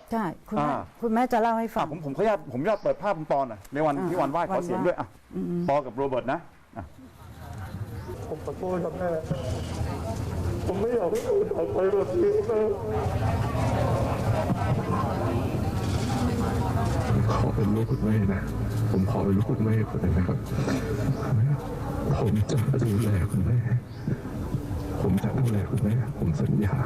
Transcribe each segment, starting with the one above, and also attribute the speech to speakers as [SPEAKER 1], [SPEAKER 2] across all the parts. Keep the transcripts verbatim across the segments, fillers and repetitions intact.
[SPEAKER 1] ใช่คุณแม่คุณแม่จะเล่าให้ฟัง
[SPEAKER 2] ผมผมขออนุญาตผมอยากเปิดภาพคุณปอหน่อยในวันที่วันไหว้ขอเสียงด้วยอ่ะปอกับโรเบิร์ตนะ
[SPEAKER 3] ผมขอโทษครับแม่ผมไม่อยากให้หนูออกไปแบบนี้แม่ขอเป็นลูกคุณแม่นะผมขอเป็นลูกคุณแม่คนหนึ่งนะครับผมจะดูแลคุณแม่ผมจะดูแลคุณแม่ผมสัญญา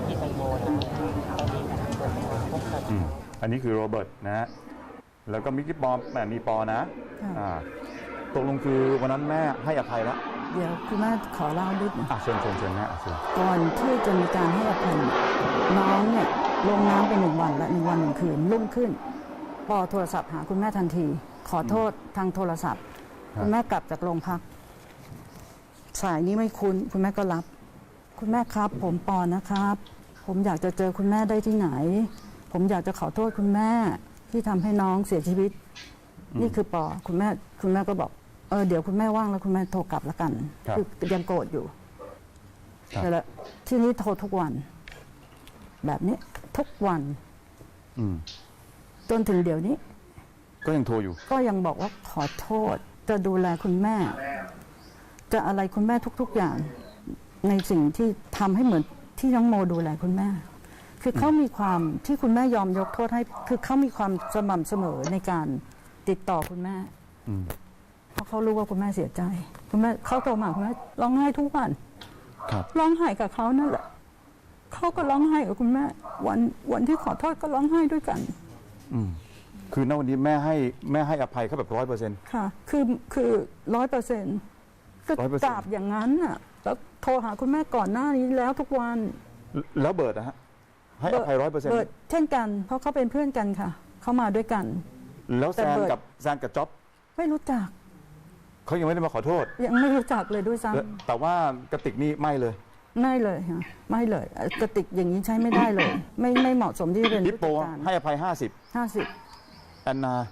[SPEAKER 2] อันนี้คือโรเบิร์ตนะฮะแล้วก็มิกกี้ปอแม่มีปอนะอ่าตกลงคือวันนั้นแม่ให้อภัยแล้ว
[SPEAKER 1] เดี๋ยวคุณแม่ขอเล่าด้วยนะ
[SPEAKER 2] อ่ะเชิญเชิญเชิญนะเชิญ
[SPEAKER 1] ก่อนที่จะมีการให้อภัยน้องเนี่ยลงน้ำไปหนึ่งวันและหนึ่งวันหนึ่งคืนรุ่งขึ้นปอโทรศัพท์หาคุณแม่ทันทีขอโทษทางโทรศัพท์คุณแม่กลับจากโรงพักสายนี้ไม่คุ้นคุณแม่ก็รับคุณแม่ครับผมปอนะครับผมอยากจะเจอคุณแม่ได้ที่ไหนผมอยากจะขอโทษคุณแม่ที่ทำให้น้องเสียชีวิตนี่คือปอคุณแม่คุณแม่ก็บอกเออเดี๋ยวคุณแม่ว่างแล้วคุณแม่โทรกลับแล้วกันคือยังโกรธอยู่แต่ละที่นี้โทรทุกวันแบบนี้ทุกวันจนถึงเดี๋ยวนี้
[SPEAKER 2] ก็ยังโทรอยู่
[SPEAKER 1] ก็ยังบอกว่าขอโทษจะดูแลคุณแม่จะอะไรคุณแม่ทุกๆอย่างในสิ่งที่ทำให้เหมือนที่น้องโมดูแลคุณแม่คือเขามีความที่คุณแม่ยอมยกโทษให้คือเขามีความสม่ำเสมอในการติดต่อคุณแม่เพราะเขารู้ว่าคุณแม่เสียใจคุณแม่เขาโทรมาคุณแม่ร้องไห้ทุกวันร้องไห้กับเขานั่นแหละเขาก็ร้องไห้กับคุณแม่วันวันที่ขอโทษก็ร้องไห้ด้วยกัน
[SPEAKER 2] อืมคือณวันนี้แม่ให้แม่ให้อภัยเขาแบบร้อยเปอร์เซ็นต์
[SPEAKER 1] ค่ะคือคือร้อยเปอร์เซ็นต์ก็กราบอย่างนั้นน่ะแล้วโทรหาคุณแม่ก่อนหน้านี้แล้วทุกวัน
[SPEAKER 2] แล้วเบิร์ดนะฮะให้อภัยร้อยเปอร์เซ็นต์
[SPEAKER 1] เบิร์ดเช่นกันเพราะเขาเป็นเพื่อนกันค่ะเขามาด้วยกัน
[SPEAKER 2] แล้วแซนกับแซนกับจ๊อบ
[SPEAKER 1] ไม่รู้จัก
[SPEAKER 2] เขายังไม่ได้มาขอโทษ
[SPEAKER 1] ยังไม่รู้จักเลยด้วยซ้
[SPEAKER 2] ำแต่ว่ากระติกนี่ไม่เลย
[SPEAKER 1] ไม่เลยค่ะไม่เลยกระติกอย่างนี้ใช้ไม่ได้เลยไม่ไม่เหมาะสมที่เป็น
[SPEAKER 2] ฮิปโปให้อภัยห้าสิบ
[SPEAKER 1] ห้าสิบ
[SPEAKER 2] แอนนา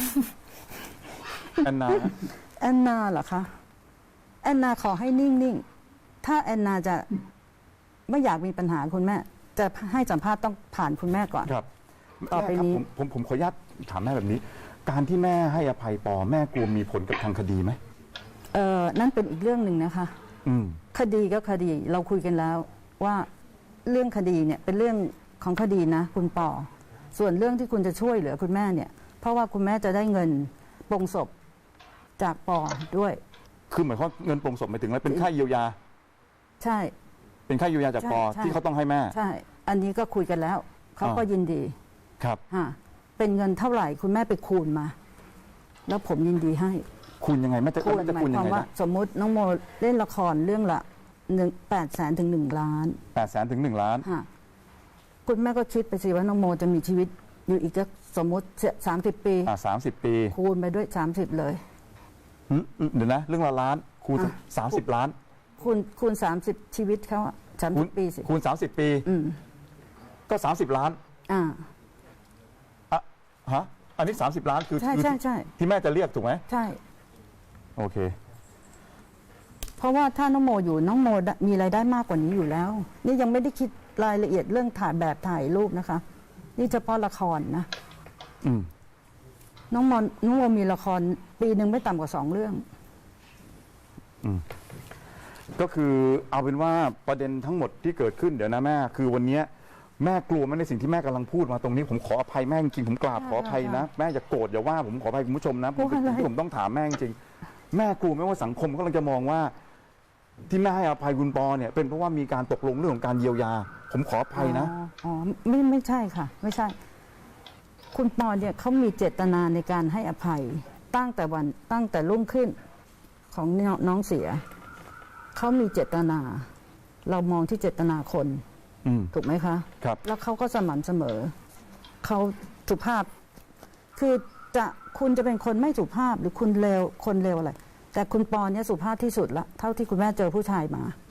[SPEAKER 2] แอนนา
[SPEAKER 1] แอนนาเหรอคะแอนนาขอให้นิ่งๆถ้าแอนนาจะไม่อยากมีปัญหาคุณแม่จะให้สัมภาษณ์ต้องผ่านคุณแม่ก่อน
[SPEAKER 2] ครับ
[SPEAKER 1] ต่อไปนี้
[SPEAKER 2] ผมผมผมขออนุญาตถามแม่แบบนี้การที่แม่ให้อภัยปอแม่กลัวมีผลกับทางคดีไหม
[SPEAKER 1] เออนั่นเป็นอีกเรื่องหนึ่งนะคะ
[SPEAKER 2] อืม
[SPEAKER 1] คดีก็คดีเราคุยกันแล้วว่าเรื่องคดีเนี่ยเป็นเรื่องของคดีนะคุณปอส่วนเรื่องที่คุณจะช่วยเหลือคุณแม่เนี่ยเพราะว่าคุณแม่จะได้เงินปลงศพจากปอด้วย
[SPEAKER 2] คือหมายความเงินปลงศพหมายถึงอะไรเป็นค่าเยียวยา
[SPEAKER 1] ใช่
[SPEAKER 2] เป็นค่าเยียวยาจากปอที่เขาต้องให้แม่
[SPEAKER 1] ใช่อันนี้ก็คุยกันแล้วเขาก็ยินดี
[SPEAKER 2] ครับ
[SPEAKER 1] ฮะเป็นเงินเท่าไหร่คุณแม่ไปคูณมาแล้วผมยินดีให้
[SPEAKER 2] คูณยังไงแม่จะ
[SPEAKER 1] คูณ
[SPEAKER 2] จะ
[SPEAKER 1] คูณยังไงนะสมมุติน้องโมเล่นละครเรื่องละหนึ่งแปดแสนถึงหนึ่งล้าน
[SPEAKER 2] แปดแสนถึงหนึ่งล้าน
[SPEAKER 1] ฮะคุณแม่ก็คิดไปสิว่าน้องโมจะมีชีวิตอยู่อีกสักสมมุติสามสิบปี
[SPEAKER 2] อ่าสามสิบปี
[SPEAKER 1] คูณไปด้วยสามสิบเลย
[SPEAKER 2] เดี๋ยวนะเรื่องละล้านคูณสามสิบล้าน
[SPEAKER 1] คูณคูณสามสิบชีวิตเขาอะสามสิบปีสิ
[SPEAKER 2] คูณสามสิบปีก็สามสิบล้าน
[SPEAKER 1] อ่า
[SPEAKER 2] อ่ะฮะอันนี้สามสิบล้านคือ
[SPEAKER 1] ใช่ใช่ใช่
[SPEAKER 2] ที่แม่จะเรียกถูกไหม
[SPEAKER 1] ใช่
[SPEAKER 2] โอเค
[SPEAKER 1] เพราะว่าถ้าน้องโมอยู่น้องโมมีรายได้มากกว่านี้อยู่แล้วนี่ยังไม่ได้คิดรายละเอียดเรื่องถ่ายแบบถ่ายรูปนะคะนี่เฉพาะละครนะ
[SPEAKER 2] อืม
[SPEAKER 1] น้องโมน้องโมมีละครปีหนึ่งไม่ต่ำกว่าสองเรื่อง
[SPEAKER 2] อืมก็คือเอาเป็นว่าประเด็นทั้งหมดที่เกิดขึ้นเดี๋ยวนะแม่คือวันนี้แม่กลัวไหมในสิ่งที่แม่กำลังพูดมาตรงนี้ผมขออภัยแม่จริงผมกราบขออภัยนะแม่อย่าโกรธอย่าว่าผมขออภัยคุณผู้ชมนะผมเป็นสิ่งที่ผมต้องถามแม่จริงแม่กลัวไหมว่าสังคมกำลังจะมองว่าที่แม่ให้อภัยคุณปอเนี่ยเป็นเพราะว่ามีการตกลงเรื่องของการเยียวยาผมขออภัยนะ
[SPEAKER 1] อ๋อไม่ไม่ใช่ค่ะไม่ใช่คุณปอเนี่ยเขามีเจตนาในการให้อภัยตั้งแต่วันตั้งแต่รุ่งขึ้นของน้องเสียเขามีเจตนาเรามองที่เจตนาคนถูกไหมคะ
[SPEAKER 2] ครับ
[SPEAKER 1] แล้วเขาก็สม่ำเสมอเขาสุภาพคือจะคุณจะเป็นคนไม่สุภาพหรือคุณเลวคนเลวอะไรแต่คุณปอเนี่ยสุภาพที่สุดละเท่าที่คุณแม่เจอผู้ชายมา